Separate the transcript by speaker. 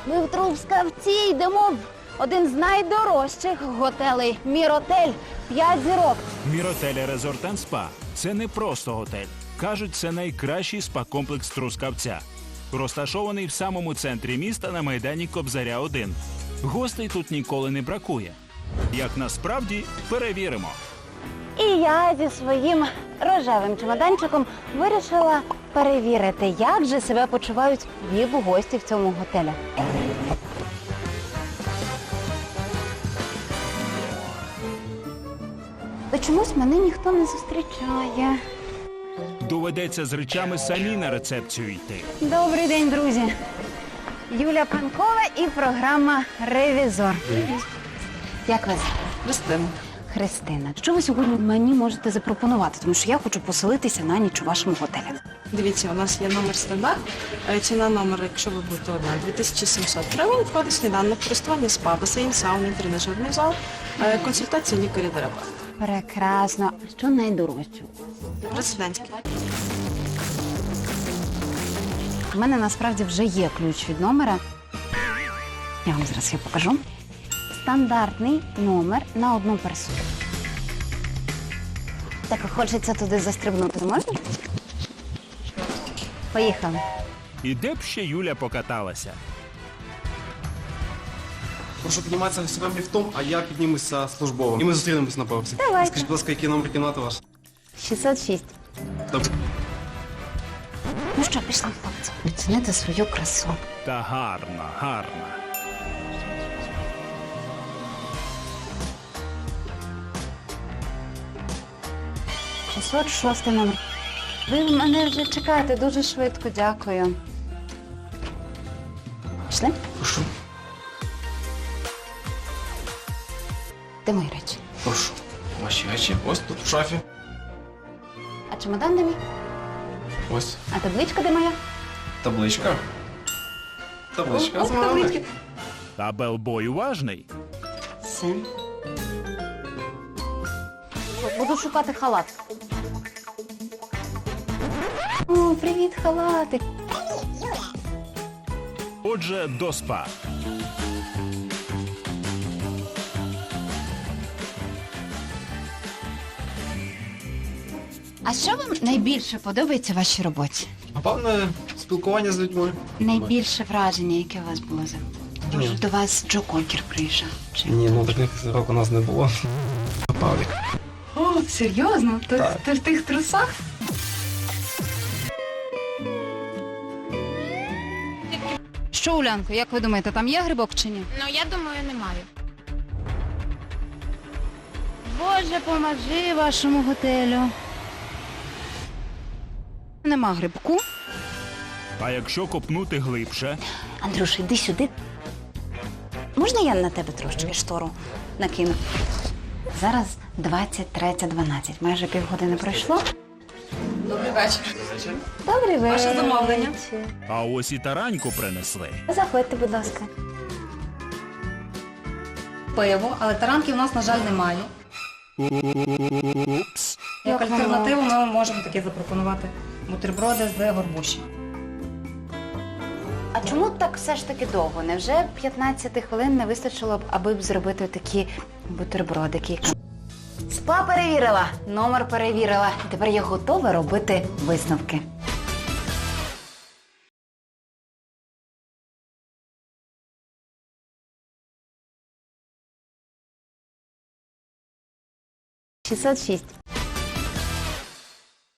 Speaker 1: Ми в Трускавці йдемо в один з найдорожчих готелей «Міротель». 5 зірок.
Speaker 2: Міротель Резорт & Спа – це не просто готель. Кажуть, це найкращий спа-комплекс Трускавця. Розташований в самому центрі міста на майдані Кобзаря-1. Гостей тут ніколи не бракує. Як насправді, перевіримо.
Speaker 1: І я зі своїм рожевим чемоданчиком вирішила перевірити, як же себе почувають віп-гості в цьому готелі. Та чомусь мене ніхто не зустрічає.
Speaker 2: Доведеться з речами самі на рецепцію йти.
Speaker 1: Добрий день, друзі. Юля Панкова і програма «Ревізор». Як вас?
Speaker 3: Христина.
Speaker 1: Христина. Що ви сьогодні мені можете запропонувати? Тому що я хочу поселитися на ніч у вашому готелі.
Speaker 3: Дивіться, у нас є номер стандарт. Ціна номера, якщо ви будете одна, 2700 гривень. Входить сніданок, користування спа, басейн, сауна, тренажерний зал, консультація лікаря-терапевта.
Speaker 1: Прекрасно. А що найдорожче?
Speaker 3: Президентський.
Speaker 1: У мене насправді вже є ключ від номера. Я вам зараз його покажу. Стандартний номер на одну персону. Так хочеться туди застрибнути. Можна? Поїхали.
Speaker 2: І де б ще Юля покаталася?
Speaker 4: Прошу підніматися сюди ліфтом, а я піднімуся службово. І ми зустрінемось на поверсі.
Speaker 1: Давайте.
Speaker 4: Скажіть, будь ласка, який номер кімнати ваш?
Speaker 1: 606.
Speaker 4: Добре.
Speaker 1: Ну що, пішли, хлопці. Оцінити свою красу.
Speaker 2: Та гарна, гарна.
Speaker 1: — 606 номер. Ви мене вже чекаєте дуже швидко, дякую. Пішли?
Speaker 4: Прошу.
Speaker 1: Де мої речі?
Speaker 4: Прошу. Ваші речі ось тут в шафі.
Speaker 1: А чемодан де мій?
Speaker 4: Ось.
Speaker 1: А табличка де моя?
Speaker 4: Табличка. Табличка.
Speaker 1: Ох, таблички.
Speaker 2: Та белбой уважний.
Speaker 1: Все. Буду шукати халат. О, привіт, халатик.
Speaker 2: Отже, до спа.
Speaker 1: А що вам найбільше подобається в вашій роботі?
Speaker 4: Напевне, спілкування з людьми.
Speaker 1: Найбільше враження, яке у вас було за... Може, до вас Джо Кокер приїжджав? Чи...
Speaker 4: Ні, ну таких зірок у нас не було. Павлік.
Speaker 1: О, серйозно?
Speaker 4: Так.
Speaker 1: Ти в тих трусах? Що, Улянко, як ви думаєте, там є грибок чи ні?
Speaker 5: Ну, я думаю, немає.
Speaker 1: Боже, поможи вашому готелю. Нема грибку.
Speaker 2: А якщо копнути глибше,
Speaker 1: Андрюш, іди сюди. Можна я на тебе трошечки штору накину? Зараз 23:12. Майже півгодини пройшло.
Speaker 3: Добрий вечір.
Speaker 1: Добрий вечір.
Speaker 3: Ваше замовлення.
Speaker 2: а ось і тараньку принесли.
Speaker 1: Заходьте, будь ласка.
Speaker 3: Пиво, але таранки у нас, на жаль, немає.
Speaker 2: Упс.
Speaker 3: Як
Speaker 1: Як
Speaker 3: альтернативу ми вам можемо таке запропонувати. Бутерброди з горбуші.
Speaker 1: А чому так все ж таки довго? Невже 15 хвилин не вистачило б, аби б зробити такі бутербродики? Спа перевірила, номер перевірила. Тепер я готова робити висновки. — 606.